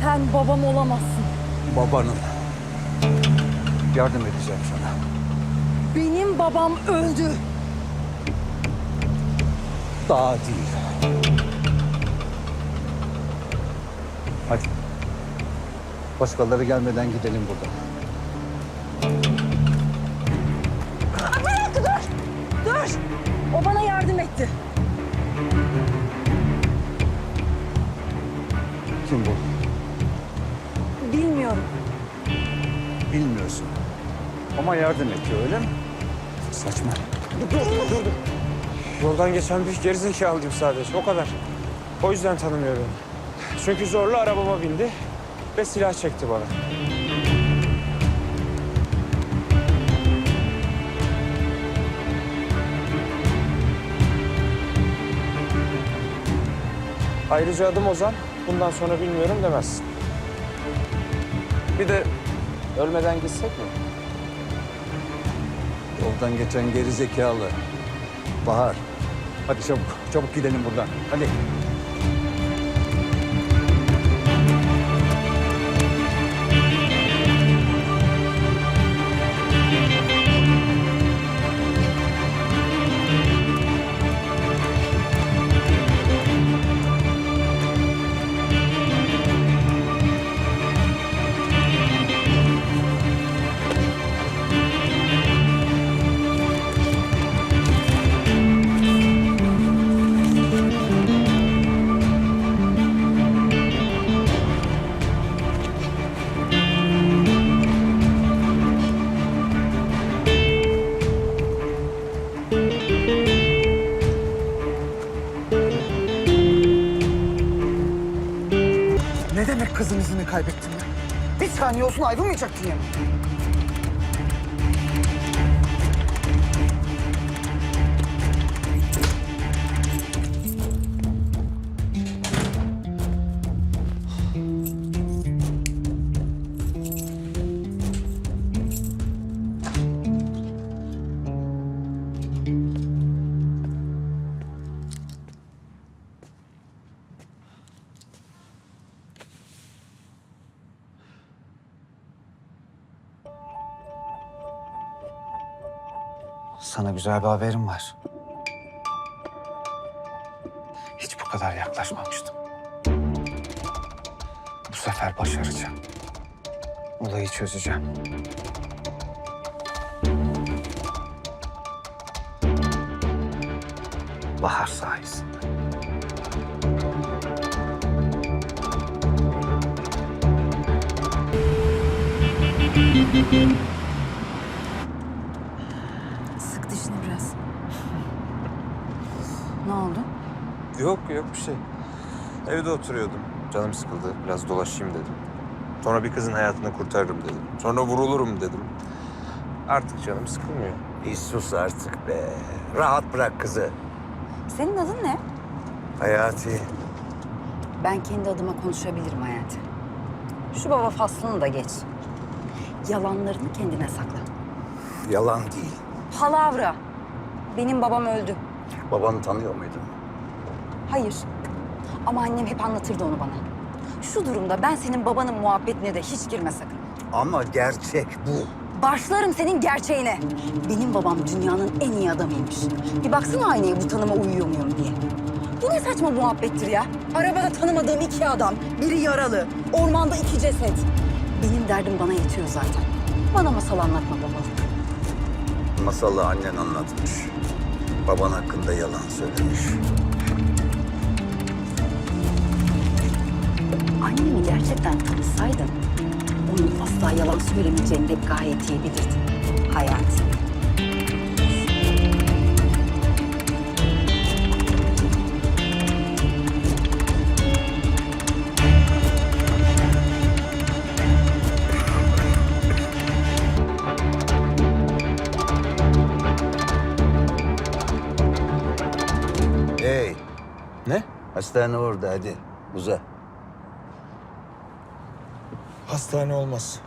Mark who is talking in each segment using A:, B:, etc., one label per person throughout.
A: Sen babam olamazsın.
B: Babanın. Yardım edeceğim sana.
A: Benim babam öldü.
B: Daha değil. Hadi. Başkaları gelmeden gidelim buradan.
A: Bırak, dur! Dur! O bana yardım etti.
B: Kim bu?
A: Bilmiyorum.
B: Bilmiyorsun. Ama yardım ediyor, öyle mi? Saçma.
C: Dur. Yoldan geçen bir gerizekalıyım sadece, o kadar. O yüzden tanımıyor beni. Çünkü zorla arabama bindi ve silah çekti bana. Ayrıca adım Ozan, bundan sonra bilmiyorum demezsin. Bir de ölmeden gitsek mi?
B: Yoldan geçen geri zekalı. Bahar. Hadi çabuk gidelim buradan. Hadi.
D: Ne demek kızın izini kaybettin ya? Bir saniye olsun ayrılmayacaktın yani.
E: Sana güzel bir haberim var. Hiç bu kadar yaklaşmamıştım. Bu sefer başaracağım. Olayı çözeceğim. Bahar sayesinde.
A: Sık dişini biraz. Ne oldu?
C: Yok bir şey. Evde oturuyordum. Canım sıkıldı. Biraz dolaşayım dedim. Sonra bir kızın hayatını kurtarırım dedim. Sonra vurulurum dedim. Artık canım sıkılmıyor.
F: Bir sus artık be. Rahat bırak kızı.
A: Senin adın ne?
F: Hayati.
A: Ben kendi adıma konuşabilirim Hayati. Şu baba faslını da geç. Yalanlarını kendine sakla.
F: Yalan değil.
A: Palavra. Benim babam öldü.
F: Babanı tanıyor muydun?
A: Hayır. Ama annem hep anlatırdı onu bana. Şu durumda ben senin babanın muhabbetine de hiç girme sakın.
F: Ama gerçek bu.
A: Başlarım senin gerçeğine. Benim babam dünyanın en iyi adamıymış. Bir baksana aynaya bu tanıma uyuyor muyum diye. Bu ne saçma muhabbettir ya? Arabada tanımadığım iki adam, biri yaralı, ormanda iki ceset. Benim derdim bana yetiyor zaten. Bana masal anlatma babalık.
F: Masalı annen anlatmış. Baban hakkında yalan söylemiş.
A: Annemi gerçekten tanısaydın, onun asla yalan söylemeyeceğini de gayet iyi bilirdin. Hayati.
F: Hey,
C: Ne?
F: hastane orada hadi. Uza.
C: Hastane olmaz.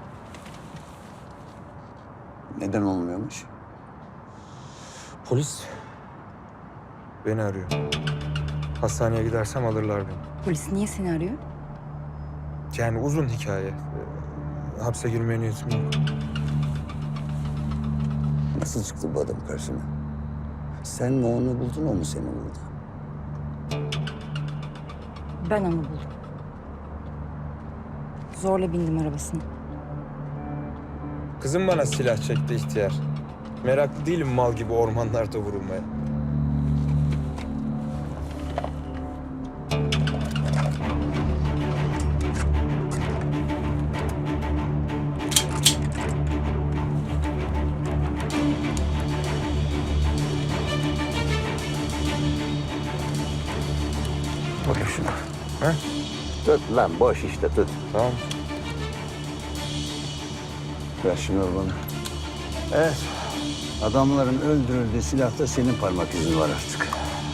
F: Neden olmuyormuş?
C: Polis beni arıyor. Hastaneye gidersem alırlar beni.
A: Polis niye seni arıyor?
C: Yani uzun hikaye. Hapse girmeye niyetim yok.
F: Nasıl çıktı bu adam karşına? Sen mi onu buldun, o mu seni buldu?
A: Ben onu buldum. Zorla bindim arabasına.
C: Kızım bana silah çekti ihtiyar. Meraklı değilim mal gibi ormanlarda vurulmaya.
F: Bakın şuna.
C: Ha?
F: Tut lan, boş işte tut.
C: Tamam.
F: Ver şunu bana. Evet. Adamların öldürüldüğü silahta senin parmak izin var artık.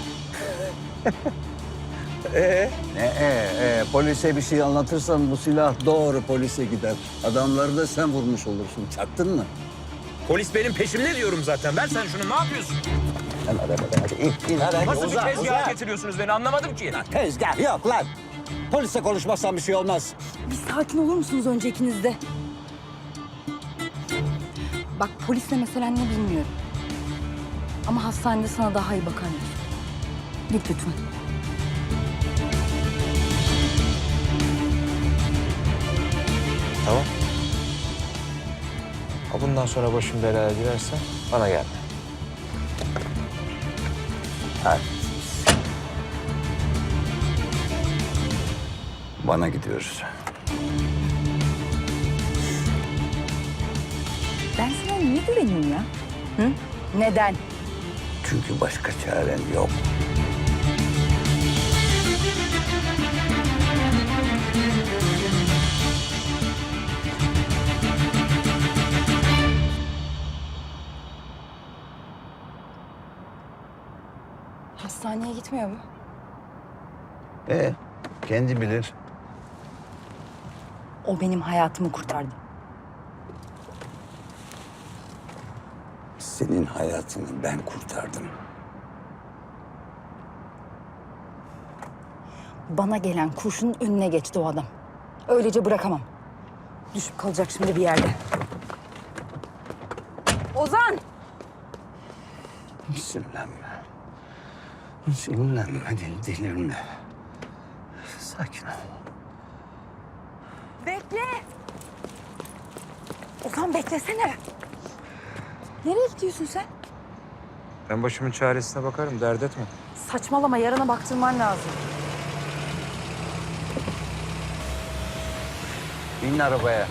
F: Polise bir şey anlatırsan bu silah doğru polise gider. Adamları da sen vurmuş olursun. Çaktın mı?
C: Polis benim peşimde diyorum zaten. Ver sen şunu, ne yapıyorsun?
F: Lan arabada hadi in hadi.
C: Nasıl
F: Uzat,
C: bir tezgaha
F: uzat.
C: getiriyorsunuz beni, anlamadım ki.
F: Tezgah yok lan. Polisle konuşmazsan bir şey olmaz.
A: Bir sakin olur musunuz önce ikiniz de? Bak polisle meselen ne bilmiyorum. Ama hastanede sana daha iyi bakarlar. Git lütfen.
C: Tamam. Ha, bundan sonra başım belaya girerse bana gel.
F: Hadi. Bana gidiyoruz.
A: Ben sana niye güveneyim ya? Hı? Neden?
F: Çünkü başka çaren yok.
A: Hastaneye gitmiyor mu?
F: Kendi bilir.
A: O benim hayatımı kurtardı.
F: Senin hayatını ben kurtardım.
A: Bana gelen kurşunun önüne geçti o adam. Öylece bırakamam. Düşüp kalacak şimdi bir yerde. Ozan!
F: Sinirlenme. Sinirlenme, delirme. Sakin ol.
A: Bekle! Ozan beklesene. Nereye gidiyorsun sen?
C: Ben başımın çaresine bakarım, dert etme.
A: Saçmalama, yarına baktırman lazım.
F: İn arabaya.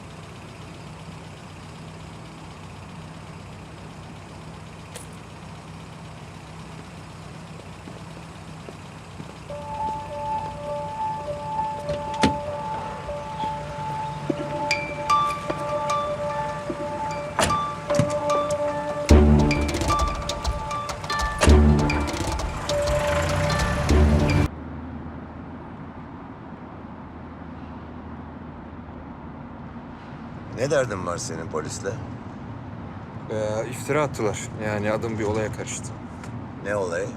G: Ne derdin var senin polisle?
C: İftira attılar. Yani adım bir olaya karıştı.
G: Ne olayı?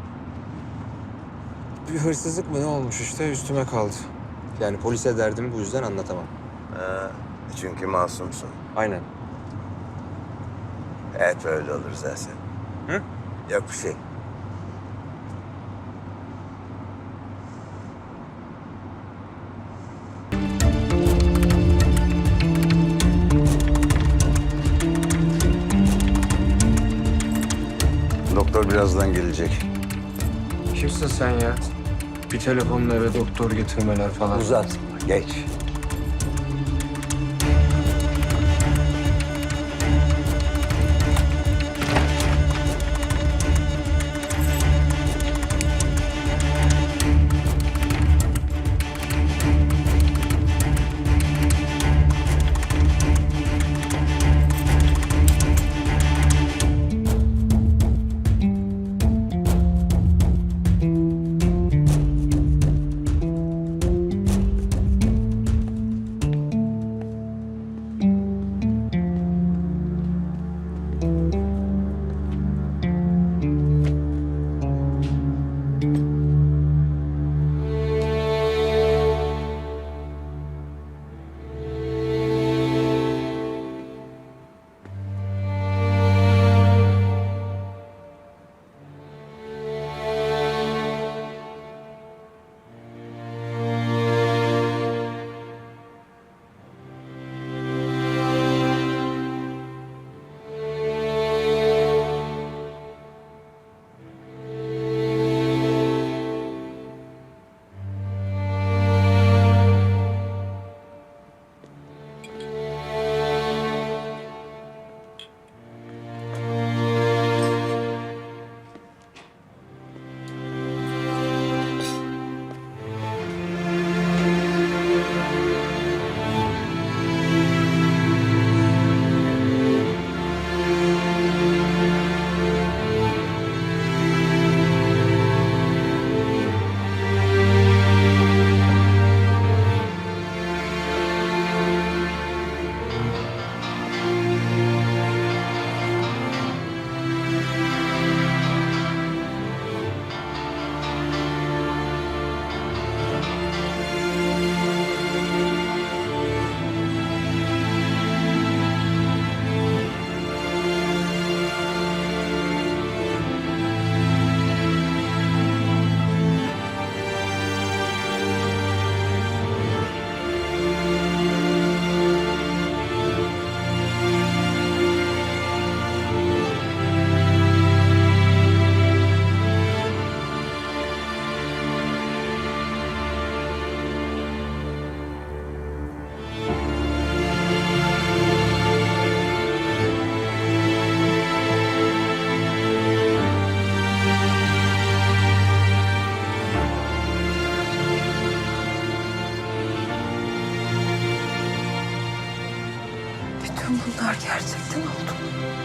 C: Bir hırsızlık mı ne olmuş işte, üstüme kaldı. Yani polise derdimi bu yüzden anlatamam.
G: Çünkü masumsun.
C: Aynen.
G: Evet öyle olur zaten.
C: Hı?
G: Yok bir şey.
F: Doktor birazdan gelecek.
C: Kimsin sen ya? Bir telefonla eve doktor getirmeler falan.
F: Uzat, geç.
A: Bunlar gerçekten oldu mu?